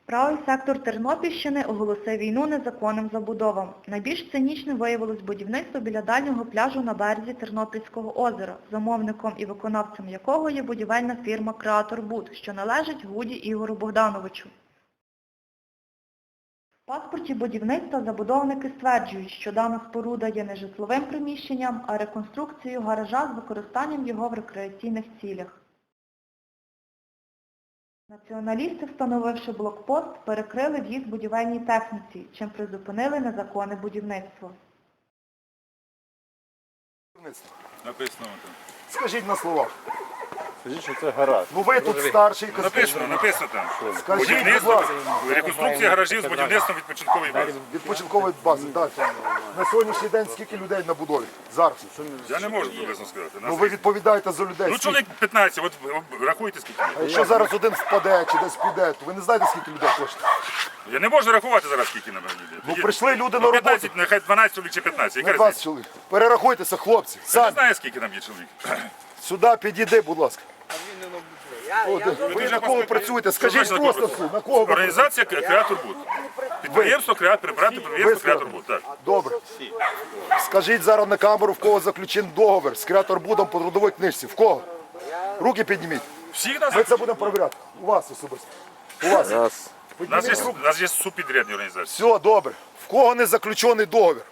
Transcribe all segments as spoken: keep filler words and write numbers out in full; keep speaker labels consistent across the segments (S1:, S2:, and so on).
S1: Правий сектор Тернопільщини оголосив війну незаконним забудовам. Найбільш цинічним виявилось будівництво біля дальнього пляжу на березі Тернопільського озера, замовником і виконавцем якого є будівельна фірма «Креатор Буд», що належить Гуді Ігору Богдановичу. В паспорті будівництва забудовники стверджують, що дана споруда є не житловим приміщенням, а реконструкцією гаража з використанням його в рекреаційних цілях. Націоналісти, встановивши блокпост, перекрили в'їзд будівельній техніці, чим призупинили незаконне будівництво.
S2: Написано там.
S3: Скажіть на словах.
S4: Скажіть, що це гараж.
S3: Ну ви тут старший
S2: Написано, написано там.
S3: Скажіть, будь
S2: Будівництво,
S3: ласка,
S2: реконструкція гаражів з будівництвом відпочинкової бази.
S3: відпочинкової бази. Так. На сьогоднішній день скільки людей на будові? Зараз.
S2: Я не можу приблизно сказати.
S3: Ну ви відповідаєте за людей.
S2: Ну чоловік п'ятнадцять, от рахуйте скільки.
S3: А якщо зараз один впаде чи десь піде, то ви не знаєте, скільки людей коштує?
S2: Я не можу рахувати зараз скільки на мене.
S3: Ну прийшли люди на роботу.
S2: п'ятнадцять, нехай дванадцять чоловік чи п'ятнадцять. Яка
S3: двадцять
S2: різниця?
S3: чоловік. Перерахуйтеся, хлопці.
S2: Я не
S3: Самі.
S2: знаю, скільки там є чоловік.
S3: Сюди підійди, будь ласка. О, де-
S2: Ви
S3: ви
S2: дуже
S3: на кого
S2: пос-
S3: працюєте?
S2: Що
S3: Скажіть
S2: значить
S3: просто,
S2: на
S3: все,
S2: кого
S3: на кого ви
S2: Організація «Креатор Буд». Підприємство «Креатор», брати підприємство «Креатор Буд». Так.
S3: Добре. Скажіть зараз на камеру, в кого заключений договір з Креатор Будом по трудовій книжці. В кого? Руки підніміть.
S2: Всіх нас,
S3: Ми це будемо перевіряти. У вас особисто. У вас.
S4: Раз.
S2: у нас є, у нас є субпідрядні організації.
S3: Все, добре. В кого не заключений договір?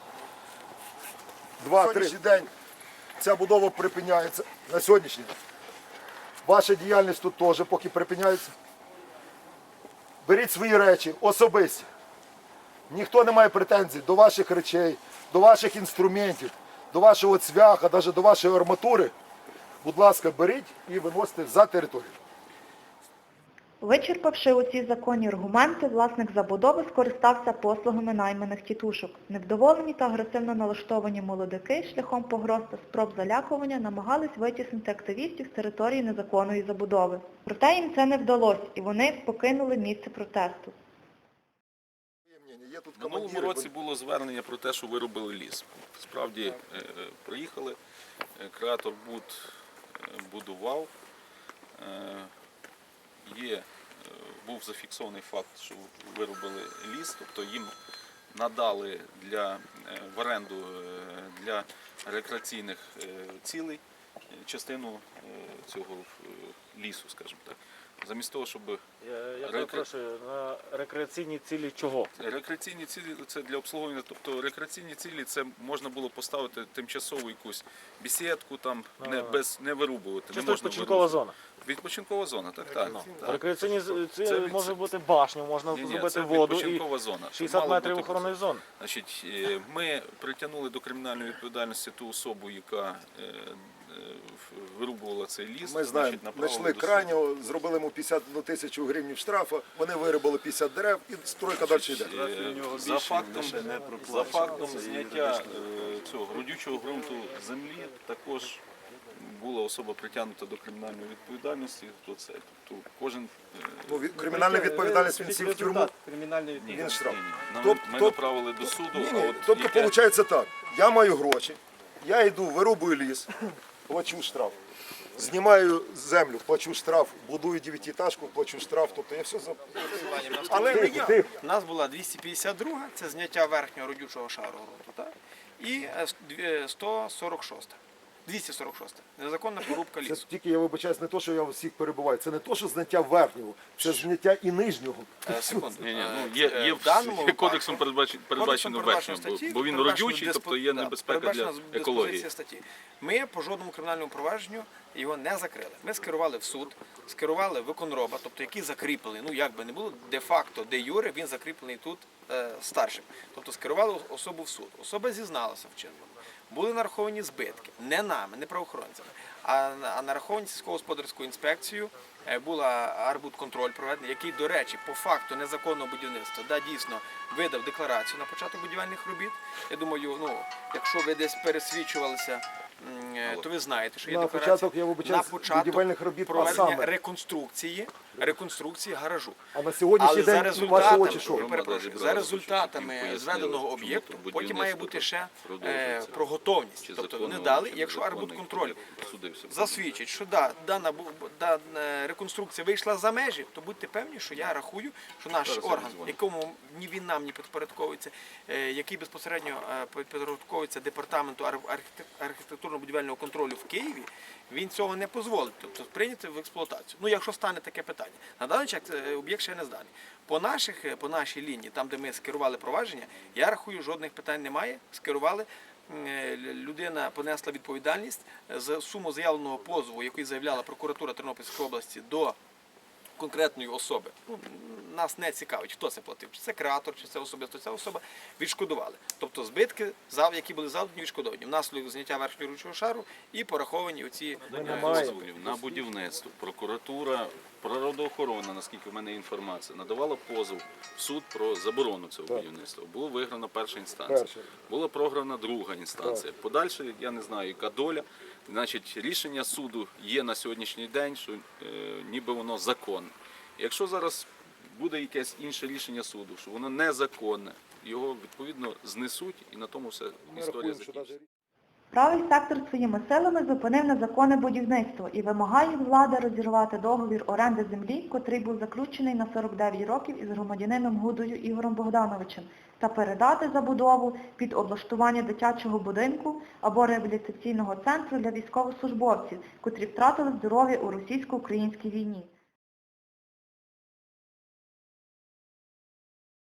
S3: Два, три. Сьогоднішній день ця будова припиняється. На сьогоднішній день. Ваша діяльність тут теж поки припиняється. Беріть свої речі, особисті. Ніхто не має претензій до ваших речей, до ваших інструментів, до вашого цвяха, навіть до вашої арматури. Будь ласка, беріть і виносите за територію.
S1: Вичерпавши оці законні аргументи, власник забудови скористався послугами найманих тітушок. Невдоволені та агресивно налаштовані молодики шляхом погроз та спроб залякування намагались витіснити активістів з території незаконної забудови. Проте їм це не вдалося, і вони покинули місце протесту.
S5: В минулому році було звернення про те, що вирубили ліс. Справді е, е, приїхали, е, Креатор Буд е, будував. Е, Є, е, був зафіксований факт, що вирубили ліс, тобто їм надали для, е, в оренду е, для рекреаційних е, цілей е, частину е, цього е, лісу, скажімо так. Замість того, щоб
S4: Я, я
S5: Рекре-
S4: перепрошую, на рекреаційні цілі чого?
S5: рекреаційні цілі це для обслуговування, тобто рекреаційні цілі це можна було поставити тимчасову якусь бесідку, там не без не вирубувати.
S4: Чисто
S5: не можна
S4: відпочинкова
S5: вирубувати.
S4: зона.
S5: Відпочинкова зона, так, так. так.
S4: Рекреаційні з-
S5: Це
S4: цілі
S5: від-
S4: може бути башня, можна
S5: Ні, ні,
S4: зробити
S5: це
S4: воду і
S5: відпочинкова зона.
S4: шістдесят
S5: Мало
S4: метрів
S5: бути-
S4: охоронної зони.
S5: Значить, е, ми притягнули до кримінальної відповідальності ту особу, яка е, е, вирубувала цей ліс.
S3: Ми
S5: значить,
S3: знаємо,
S5: направили
S3: знайшли
S5: до суду.
S3: крайнього, зробили йому п'ятдесят одну тисячу гривень штрафу, вони вирубали п'ятдесят дерев і стройка далі йде.
S5: Е, За фактом, за фактом зняття е, цього родючого ґрунту землі також була особа притягнута до кримінальної відповідальності. То це, тобто кожен е,
S3: Ну, від- кримінальна відповідальність, він сів в тюрму,
S5: ні,
S3: він штраф.
S5: ні, ні. Нам-
S3: Тоб-
S5: Ми
S3: тоб-
S5: направили до суду.
S3: Ні,
S5: а
S3: ні,
S5: от
S3: тобто
S5: яке-
S3: виходить так, я маю гроші, я йду, вирубую ліс, плачу штраф. Знімаю землю, плачу штраф, будую дев'ятиэтажку, плачу штраф, тобто я все за...
S6: Але не
S3: Тихо,
S6: я.
S3: тихо.
S6: У нас була двісті п'ятдесят друга, це зняття верхнього родючого шару ґрунту, так? І е, дві- сто сорок шоста. двісті сорок шоста. Незаконна порубка
S3: Це
S6: лісу.
S3: тільки я вибачаюсь, не то, що я всіх перебуваю, це не то, що зняття верхнього, це зняття і нижнього.
S6: Е, Секунду.
S5: Ні, ні, ну,
S6: Е,
S5: є,
S6: е,
S5: є
S6: в даному
S5: є кодексом
S6: випадку-
S5: передбачено, передбачено
S6: Кодексом
S5: верхнього, бо,
S6: статті,
S5: бо він
S6: передбачено
S5: родючий,
S6: диспо-
S5: тобто є
S6: да,
S5: небезпека для
S6: передбачена
S5: екології.
S6: диспозиція статті. Ми по жодному кримінальному провадженню його не закрили. Ми скерували в суд, скерували виконроба, тобто який закріплений, ну як би не було, де-факто, де юре, він закріплений тут е, старшим. Тобто скерували особу в суд. Особа зізналася в чинному. Були нараховані збитки, не нами, не правоохоронцями, а, а нараховані сільськогосподарською інспекцією. Е, Була арбудконтроль проведений, який, до речі, по факту незаконного будівництва, да, дійсно видав декларацію на початок будівельних робіт. Я думаю, ну, якщо ви десь пересвідчувалися, м, е, то ви знаєте, що є
S3: На
S6: декларація.
S3: початок, я вибачаюсь, будівельних робіт, а
S6: проведення
S3: саме?
S6: реконструкції, реконструкції гаражу.
S3: А на сьогоднішній
S6: Але за
S3: день ваші
S6: результатами,
S3: очі що?
S6: я перепрошую, за результатами зведеного об'єкту потім має бути ще е, про готовність. Тобто вони дали, якщо арбудконтроль засвідчить, що да, дана, бу- дана реконструкція вийшла за межі, то будьте певні, що я рахую, що наш
S5: Зараз я
S6: орган,
S5: дозвоню.
S6: якому ні він нам не підпорядковується, е, який безпосередньо е, підпорядковується департаменту ар- архітек- архітектурно-будівельного контролю в Києві, він цього не дозволить, тобто прийняти в експлуатацію. Ну, якщо стане таке питання. На даний час е, об'єкт ще не зданий. По наших, е, по нашій лінії, там, де ми скерували провадження, я рахую, жодних питань немає. Скерували. Е, Людина понесла відповідальність за суму заявленого позову, який заявляла прокуратура Тернопільської області до конкретної особи. Ну, нас не цікавить, хто це платив, чи це креатор, чи це особисто ця особа, відшкодували. Тобто збитки, зав- які були завдані, відшкодовані. Внаслідок зняття верхнього ручного шару і пораховані оці е,
S5: Дозволів на будівництво. Прокуратура, природоохорона, наскільки в мене є інформація, надавала позов в суд про заборону цього будівництва. Було виграно перша інстанція.
S3: Перша.
S5: Була програна друга інстанція. Подальше, я не знаю, яка доля. Значить, рішення суду є на сьогоднішній день, що е, ніби воно законне. Якщо зараз буде якесь інше рішення суду, що воно незаконне, його відповідно знесуть і на тому все
S3: Ми
S5: історія
S3: рахуємо, що
S5: закінчиться.
S3: навіть
S1: Правий сектор своїми силами зупинив незаконне будівництво і вимагає від влади розірвати договір оренди землі, котрий був заключений на сорок дев'ять років із громадянином Гудою Ігорем Богдановичем, та передати забудову під облаштування дитячого будинку або реабілітаційного центру для військовослужбовців, котрі втратили здоров'я у російсько-українській війні.